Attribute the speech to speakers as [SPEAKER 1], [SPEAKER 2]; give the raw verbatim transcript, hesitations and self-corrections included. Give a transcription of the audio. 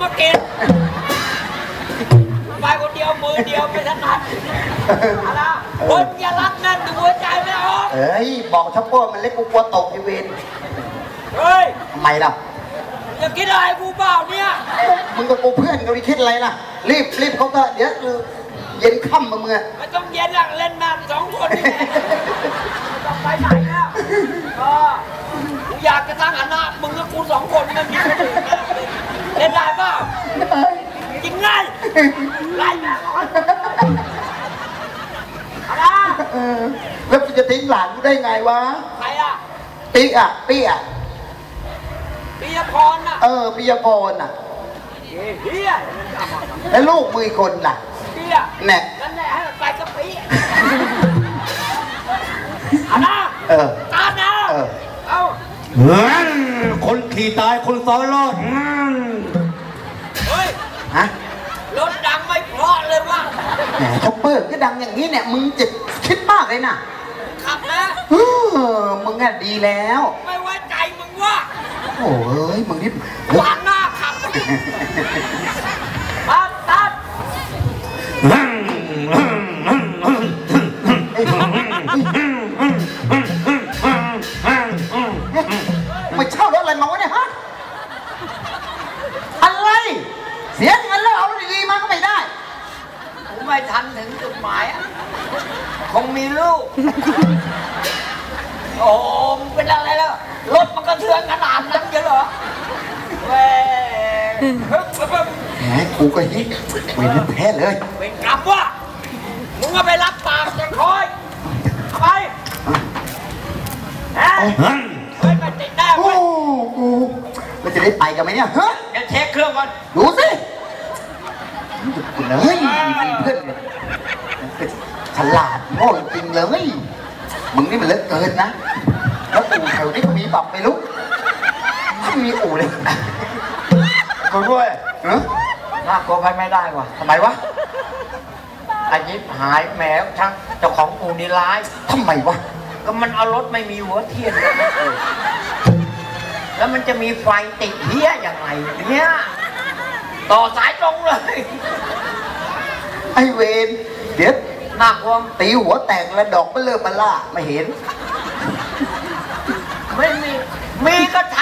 [SPEAKER 1] มากินไปคนเดียวมือเดียวไม่ถนัดอะไรคนอย่ารักนั่นหัวใจไม่ออก
[SPEAKER 2] เฮ้ยบอกช็อปเปอร์มันเล็กกูกลัวตกไอเวน
[SPEAKER 1] เฮ้ย
[SPEAKER 2] ทำไมล่ะ
[SPEAKER 1] อย่าคิดอะไรกูเปล่าเนี่ย
[SPEAKER 2] มึงกับกูเพื่อนกันไปคิดอะไรล่ะรีบรีบเขาก็เดี๋ยวเย็นค่ำมาเมื่อ
[SPEAKER 1] ไม่ต้องเย็นหลังเล่นน้ำสองคนนี่จะไปไหนแล้วก็กูอยากจะตั้งหันหน้ามึงกับกูสองคนมันมีคนอื่นเล่นได้เปล่าจริงไงไล่แม่ก่อนอะไร
[SPEAKER 2] แล้วกูจะทิ้งหลานกูได้ไงวะ
[SPEAKER 1] ใครอ่ะ
[SPEAKER 2] ปีอ่ะปีอ่ะ
[SPEAKER 1] ปียพรน่ะ
[SPEAKER 2] เออปียพรน่ะ
[SPEAKER 1] เฮีย
[SPEAKER 2] แล้วลูกมือคนล่ะ
[SPEAKER 1] เฮีย
[SPEAKER 2] แน่
[SPEAKER 1] นั่นแหละให้มันไปกับปีเอาหน้า
[SPEAKER 2] เออ
[SPEAKER 1] ตาหน้า
[SPEAKER 2] เออ
[SPEAKER 1] เอา
[SPEAKER 3] คนขี่ตายคนซ้อนรอด
[SPEAKER 1] เฮ้ย
[SPEAKER 2] ฮะ
[SPEAKER 1] รถดังไม่เพราะเลยว่ะ
[SPEAKER 2] แหมช็อปเปอร์ก็ดังอย่างนี้เนี่ยมึงจะคิดมากเลยนะ
[SPEAKER 1] ขับนะ
[SPEAKER 2] เออมึงอ่ะดีแล้ว
[SPEAKER 1] ไม่ไว้ใจมึงว่ะ
[SPEAKER 2] โอ้ยมึงนี่
[SPEAKER 1] วางหน้าขับตัดตัด
[SPEAKER 2] ไม่เช่ารถอะไรมาวะเนี่ยฮะอะไรเสียเงินแล้วเอาดีๆมาก็ไม่ได้
[SPEAKER 1] ผมไม่ทันถึงจุดหมายคงมีลูกโอ้เป็นอะไรแล้วรถมันก็เทือนขนาดนั้นเหรอเว้ย
[SPEAKER 2] แหมกูก็ฮิตเว้นแพ้เลย
[SPEAKER 1] เป็นกลับวะมึงก็ไปรับปากจะคอยไปฮะเฮ้ยมันติดได้เว้ย
[SPEAKER 2] กูมันจะได้ไปกันไหมเนี่ยฮะ
[SPEAKER 1] เดี๋ยวเช็คเครื่องก่อน
[SPEAKER 2] ดูสิเฮ้ยเพื่อนฉลาดโง่จริงเลยมึงนี่มันเลิกเกินนะแล้วอู่แถวนี้ก็มีปรับไม่รู้ไม่มีอู่เลย
[SPEAKER 1] กูด้วย
[SPEAKER 2] เออ
[SPEAKER 1] น่ากลัวไปไม่ได้ว่ะ
[SPEAKER 2] ทำไมวะ
[SPEAKER 1] อายิบหายแหมช่างเจ้าของอู่นี่ร้าย
[SPEAKER 2] ทำไมวะ
[SPEAKER 1] ก็มันเอารถไม่มีหัวเทียนแล้วมันจะมีไฟติดเหี้ยยังไงเนี่ยต่อสายตรงเลย
[SPEAKER 2] ไอเวนเดี๋ยว
[SPEAKER 1] น่ากลัว
[SPEAKER 2] ตีหัวแตกแล้วดอกไม่เลิกมาล่าไม่เห็น
[SPEAKER 1] ไม่มีมีก็ท